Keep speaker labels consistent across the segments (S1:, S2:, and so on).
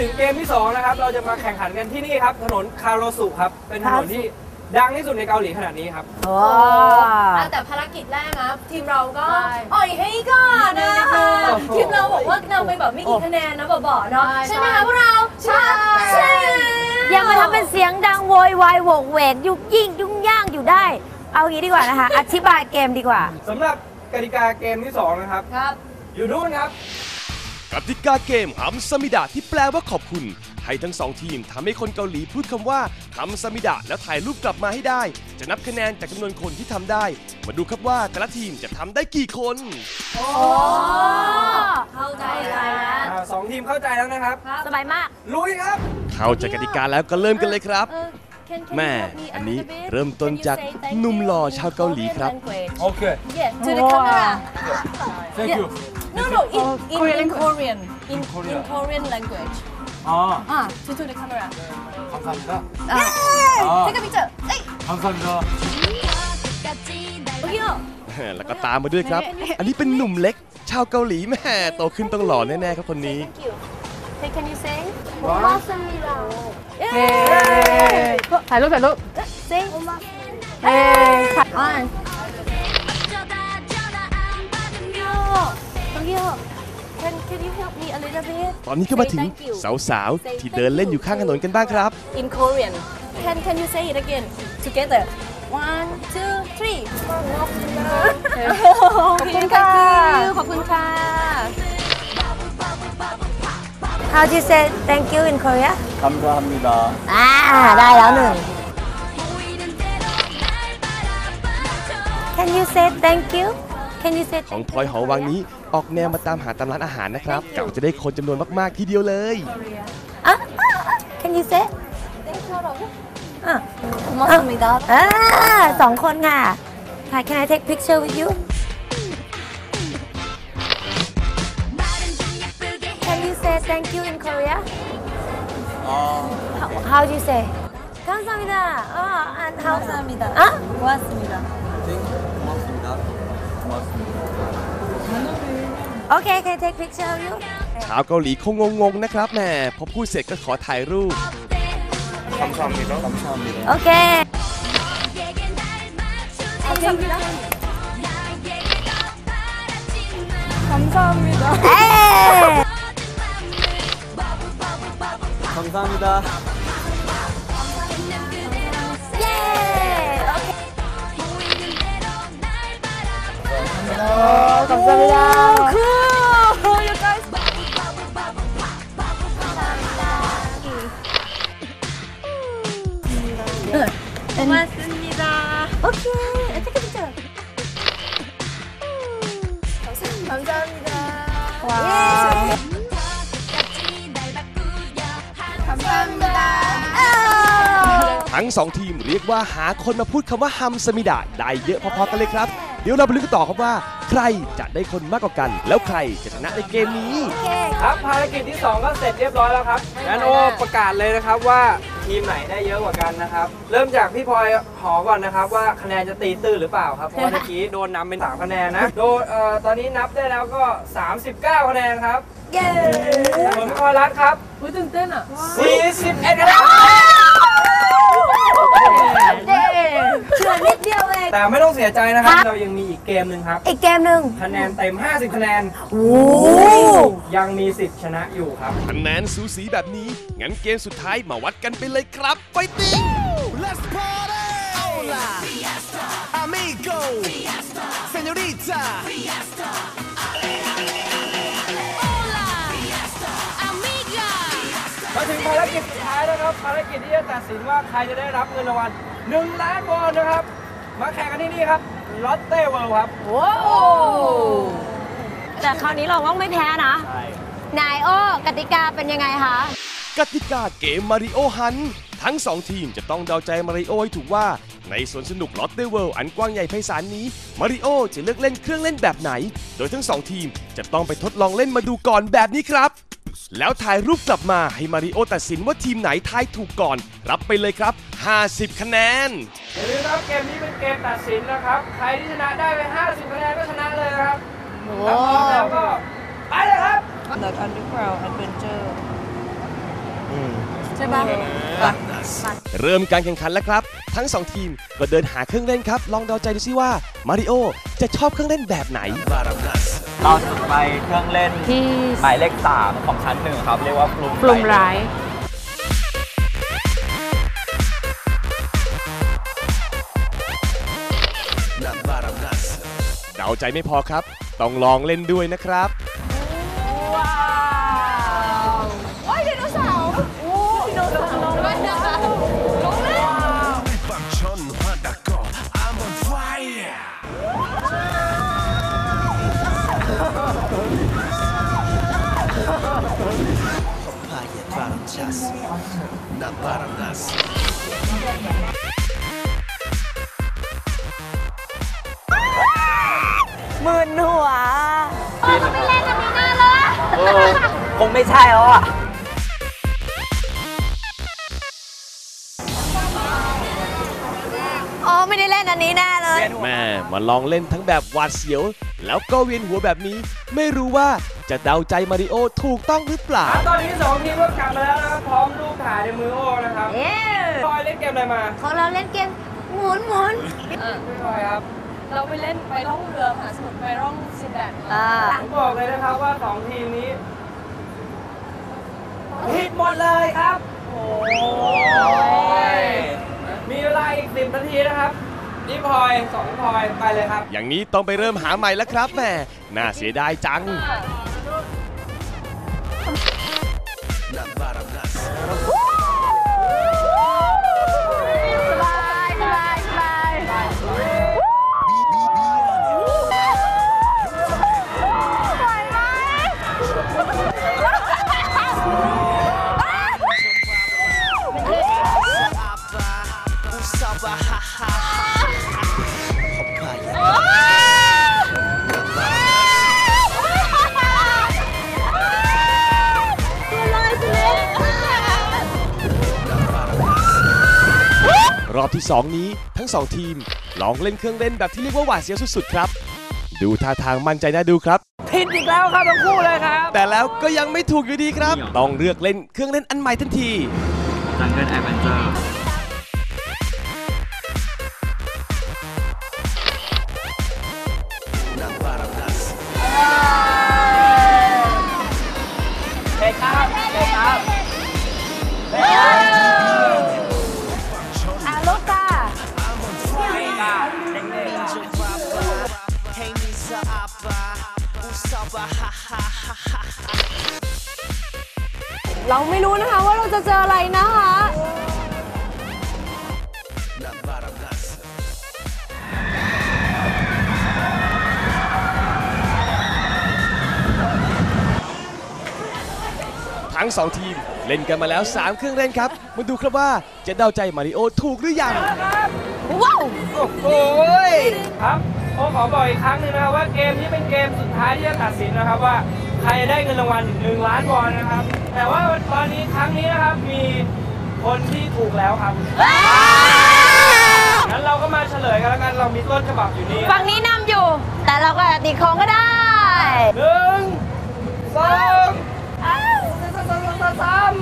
S1: ถึงเกมที่2นะครับเราจะมาแข่งขันกันที่นี่ครับถนนคาโรสุครับเป็นถนนที่ดังที่สุดในเกาหลีขนาดนี้ครับ
S2: แต่ภารกิจแรกนะทีมเราก็อ่อยให้ก่อนนะคะทีมเราบอกว่านำไปแบบไม่กี่คะแนนนะบอกเนาะใช่ไหมคะพวกเราใช่
S3: อย่ามาทำเป็นเสียงดังโวยวายโวกเวกยุ่งยิ่งยุ่งย่างอยู่ได้เอางี้ดีกว่านะคะอธิบายเกมดีกว่า
S1: สำหรับกติกาเกมที่2นะครับอยู่นู่นครับ
S4: กติกาเกมฮัมซามิดะที่แปลว่าขอบคุณให้ทั้ง2ทีมทำให้คนเกาหลีพูดคำว่าฮัมซามิดะแล้วถ่ายรูปกลับมาให้ได้จะนับคะแนนจากจำนวนคนที่ทำได้มาดูครับว่าแต่ละทีมจะทำได้กี่คน
S2: เข้าใจแล้ว
S1: 2 ทีมเข้าใจแล้วนะครับ
S3: สบายมาก
S1: ลุยครับ
S4: เข้าใจกติกาแล้วก็เริ่มกันเลยครับแม่อันนี้เริ่มต้นจากหนุ่มหล่อชาวเกาหลีครับ
S1: โอเค
S2: to the camera
S1: thank you
S2: no in Korean in Korean language to the camera
S1: 감사합니다
S2: take a picture
S1: 감사합니다
S4: แล้วก็ตามมาด้วยครับอันนี้เป็นหนุ่มเล็กชาวเกาหลีแม่โตขึ้นต้องหล่อแน่ๆครับคนนี้
S2: Hey can you say
S3: 고맙습니다
S2: ถ่ายรูปsay Can you help me a little bit
S4: ตอนนี้ก็มาถึงสาวๆที่เดินเล่นอยู่ข้างถนนกันบ้างครับ
S2: In Korean Can you say it again together 1 2 3ขอบคุณค่ะขอบคุณค่ะ
S3: How do you say thank you in Korea
S1: 감사합니다
S3: ได้แล้วหนึ่ง Can you say thank you Can you say
S4: ของพลอยหอวังนี้ออกแนวมาตามหาตามร้านอาหารนะครับกะว่าจะได้คนจำนวนมากๆทีเดียวเลย
S3: Can you say
S2: ขอบคุณค่ะ
S3: 2 คนค่ะ Can I take picture with you Can you say thank you in Korea How do you say 감사합니다 and how
S2: 감사합니다 고맙습니다
S3: Okay can I take picture of you
S4: ชาวเกาหลีคงงงๆนะครับแม่พอพูดเสร็จก็ขอถ่ายรูป
S1: 감사합니다 감사합니다
S3: Okay
S2: 감사합니다
S1: 감사합니다
S3: 감사합니다
S2: Cool you guys 고맙습니다
S3: Okay take a picture
S2: 감사합니다
S3: 와
S2: 감사합니다
S4: ทั้ง2ทีมเรียกว่าหาคนมาพูดคำว่าฮัมซามิดะได้เยอะพอๆกันเลยครับเดี๋ยวเราไปลุ้นกันต่อครับว่าใครจะได้คนมากกว่ากันแล้วใครจะชนะในเกมนี้
S1: ครับภารกิจที่2ก็เสร็จเรียบร้อยแล้วครับงั้นโอประกาศเลยนะครับว่าทีมไหนได้เยอะกว่ากันนะครับเริ่มจากพี่พลอยหอก่อนนะครับว่าคะแนนจะตีตื้นหรือเปล่าครับเพราะเมื่อกี้โดนนำเป็น3คะแนนนะโดนตอนนี้นับได้แล้วก็39คะแนนครับ
S3: เย้
S1: ส่วนพี่พลอยรัตน์ครับ
S2: ตื่นเต้นอ่ะ
S1: 41คะแนน
S3: เฉื่อยนิดเดียวเอง
S1: แต่ไม่ต้องเสียใจนะครับเรายังมีอีกเกมหนึ่งครับ
S3: อีกเกมหนึ่ง
S1: คะแนนเต็ม50คะแนนยังมีสิทธิ์ชนะอยู่ครับ
S4: คะแนนสูสีแบบนี้งั้นเกมสุดท้ายมาวัดกันไปเลยครับไฟติ้ง Let's party Hola Amigo Señorita
S1: มาถึงภารกิจสุดท้ายแล้วครับภารกิจที่จะตัดสินว่าใครจะได้รับเงินรางวัล1 ล้านวอนนะครับมาแข่งกันที่นี่ครับลอตเต้เวิลด์ครับ
S3: ว้าวแต่คราวนี้เราต้องไม่แพ้นะนายโอกติกาเป็นยังไงคะ
S4: กติกาเกมมาริโอฮันทั้ง2ทีมจะต้องเดาใจมาริโอให้ถูกว่าในสวนสนุกลอตเต้เวิลด์อันกว้างใหญ่ไพศาลนี้มาริโอจะเลือกเล่นเครื่องเล่นแบบไหนโดยทั้ง2ทีมจะต้องไปทดลองเล่นมาดูก่อนแบบนี้ครับแล้วถ่ายรูปกลับมาให้มาริโอตัดสินว่าทีมไหนทายถูกก่อนรับไปเลยครับ50คะแนน
S1: อย่าลืมนะครับเกมนี้เป็นเกมตัดสินนะครับใครที่ชนะได้ไป50คะแนนก็ชนะเลยครับถ้าพร้อมแล้วก็ไปเลยครับ
S5: The Underground Adventure
S2: ใช่ปะ
S4: เริ่มการแข่งขันแล้วครับ ทั้ง 2 ทีมก็เดินหาเครื่องเล่นครับ ลองเดาใจดูซิว่ามาริโอจะชอบเครื่องเล่นแบบไหน
S5: เราสุดไปเครื่องเล่นที่หมายเลข 3 ของชั้น 1 ครับ เรียกว่าฟลุมร้าย
S4: เดาใจไม่พอครับ ต้องลองเล่นด้วยนะครับ
S2: ว้าวโอ้ยไดโนเสาร์โอ้ไดโนเสาร์ลงเลยนะคะลงเลย
S3: หมื่นหัว
S2: ไม่เล่นกันนี้นานแล้ว
S5: คงไม่ใช่แล้วอ่ะ
S3: อ๋อ ไม่ได้เล่นอันนี้แน่เลย
S4: แม่มาลองเล่นทั้งแบบหวาดเสียว แล้วก็เวียนหัวแบบนี้ ไม่รู้ว่าจะเดาใจมาริโอถูกต้องหรือเปล่า
S1: ตอนนี้2 ทีมก็กลับมาแล้วนะครับ พร้อมรูปถ่ายในมือโอนะครับ
S3: เย้
S1: พี่พลอยเล่นเกมอะไรมา
S3: ของเราเล่นเกมหมุนหมุน
S1: พี่พลอยครับ
S2: เราไปเล่นไปร่องเรือมหาสมุทรไปร่องซินแดด
S3: อ่า
S1: ผมบอกเลยนะครับว่า2 ทีมนี้ผิดหมดเลยครับ โอ้ยมีเวลาอีก10 นาทีนะครับนี่พลอย2 พลอยไปเลยครับ
S4: อย่างนี้ต้องไปเริ่มหาใหม่แล้วครับแม่น่าเสียดายจัง
S3: สบายสบายสบายไหวไหม
S4: รอบที่ 2 นี้ทั้ง 2 ทีม ลองเล่นเครื่องเล่นแบบที่เรียกว่าหวาดเสียวสุดๆครับ ดูท่าทางมั่นใจน่าดูครับ
S1: ผิดอีกแล้วครับทั้งคู่เลยครับ
S4: แต่แล้วก็ยังไม่ถูกอยู่ดีครับ ต้องเลือกเล่นเครื่องเล่นอันใหม่ทันที
S5: จังเกิลแอดเวนเจอร์
S1: เฮ้ยครับเฮ้ยครับ
S3: อ่ะลูกค่ะ
S2: เราไม่รู้นะคะว่าเราจะเจออะไรนะคะ
S4: ทั้ง 2 ทีมเล่นกันมาแล้ว 3 เครื่องเล่นครับ มาดูครับว่าจะเดาใจมาริโอถูกหรือยัง
S3: ว้าว
S1: โอ้โหครับผมขอบอกอีกครั้งหนึงนะครับว่าเกมนี้เป็นเกมสุดท้ายที่จะตัดสินนะครับว่าใครได้เงินรางวัลถึง1 ล้านวอนนะครับ แต่ว่าตอนนี้ครั้งนี้นะครับมีคนที่ถูกแล้วครับงั้นเราก็มาเฉลยกันแล้วกันเรามีต้นฉบับอยู่นี่
S3: ฝั่งนี้นำอยู่ แต่เราก็อาจจะตีของก็ได้
S1: 1 2 3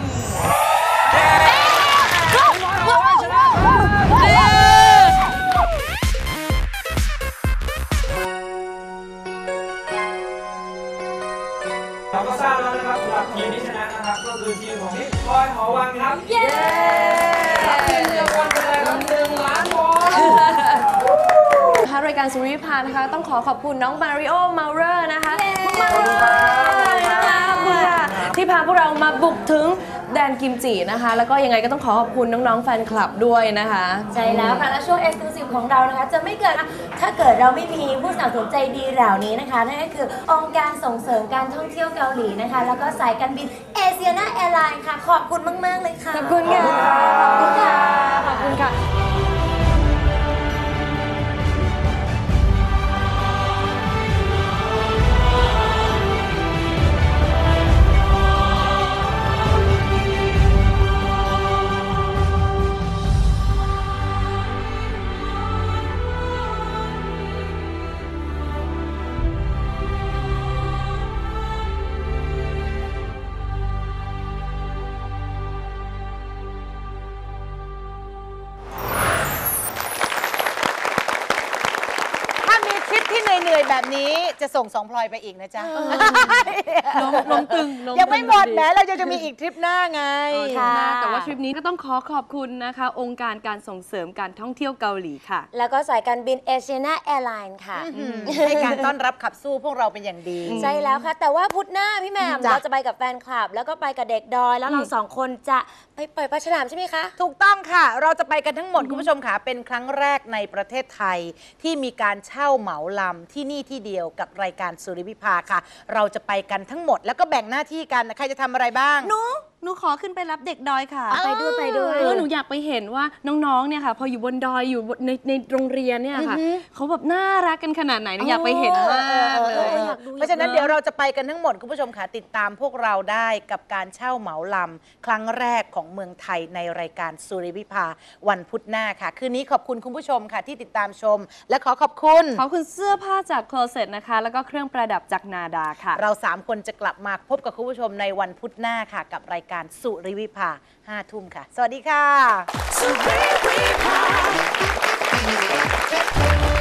S1: เราก็ทราบแล้วนะครับสำหรับทีมที่ชนะนะครับก็คือทีมของพี่พลอยหอวังครับ
S2: เย้
S1: รับเงินรางวัลไปเลยครับ1 ล้านวอน
S2: นะคะรายการสุริวิภานะคะต้องขอขอบคุณน้องมาริโอเมาเรอร์นะคะมากๆเลยนะคะขอบคุณค่ะที่พาพวกเรามาบุกถึงแดนกิมจินะคะ แล้วก็ยังไงก็ต้องขอขอบคุณน้องๆแฟนคลับด้วยนะคะ
S3: ใช่แล้วค่ะและช่วง Exclusive ของเรานะคะ จะไม่เกิดถ้าเกิดเราไม่มีผู้สนับสนุนใจดีเหล่านี้นะคะ นั่นก็คือองค์การส่งเสริมการท่องเที่ยวเกาหลีนะคะ แล้วก็สายการบินเอเชียนาแอร์ไลน์ค่ะ ขอบคุณมาก ๆ เลยค่ะ
S2: ขอบคุณค่ะ ขอบคุณค่ะ ขอบคุณค่ะ
S6: วยแบบนี้จะส่ง2 พลอยไปอีกนะจ๊ะ
S2: ลมตึง
S6: ยังไม่หมดแม้เราจะมีอีกทริปหน้าไง
S2: ค่ะแต่ว่าทริปนี้ก็ต้องขอบคุณนะคะ องค์การการส่งเสริมการท่องเที่ยวเกาหลีค่ะ
S3: แล้วก็สายการบินเอเชียนาแอร์ไลน์ค่ะ
S6: ให้การต้อนรับขับสู้พวกเราเป็นอย่างดี
S3: ใช่แล้วค่ะ แต่ว่าพุธหน้าพี่แหม่ม
S6: จ้ะ
S3: เราจะไปกับแฟนคลับ แล้วก็ไปกับเด็กดอย แล้วเรา2 คนจะไปปล่อยปลาฉลามใช่ไหมคะ
S6: ถูกต้องค่ะ เราจะไปกันทั้งหมดคุณผู้ชมค่ะ เป็นครั้งแรกในประเทศไทย ที่มีการเช่าเหมาลำที่นี่ที่เดียวกับรายการสุริวิภาค่ะ เราจะไปกันทั้งหมดแล้วก็แบ่งหน้าที่กันใครจะทำอะไรบ้าง
S2: หนูขอขึ้นไปรับเด็กดอยค่ะ
S3: ไปด้วย
S2: หนูอยากไปเห็นว่าน้องๆ เนี่ยค่ะ พออยู่บนดอยอยู่ในโรงเรียนเนี่ยค่ะเขาแบบน่ารักกันขนาดไหนหนูอยากไปเห็นมากเลย
S6: เพราะฉะนั้นเดี๋ยวเราจะไปกันทั้งหมดคุณผู้ชมค่ะติดตามพวกเราได้กับการเช่าเหมาลำครั้งแรกของเมืองไทยในรายการสุริวิภาวันพุธหน้าค่ะ คืนนี้ขอบคุณคุณผู้ชมค่ะที่ติดตามชม และขอบคุณ
S2: ขอบคุณเสื้อผ้าจากโคลเซ็ตนะคะ แล้วก็เครื่องประดับจากนาดาค่ะ
S6: เรา3 คนจะกลับมาพบกับคุณผู้ชมในวันพุธหน้าค่ะ กับรายการสุริวิภา 5 ทุ่มค่ะ สวัสดีค่ะ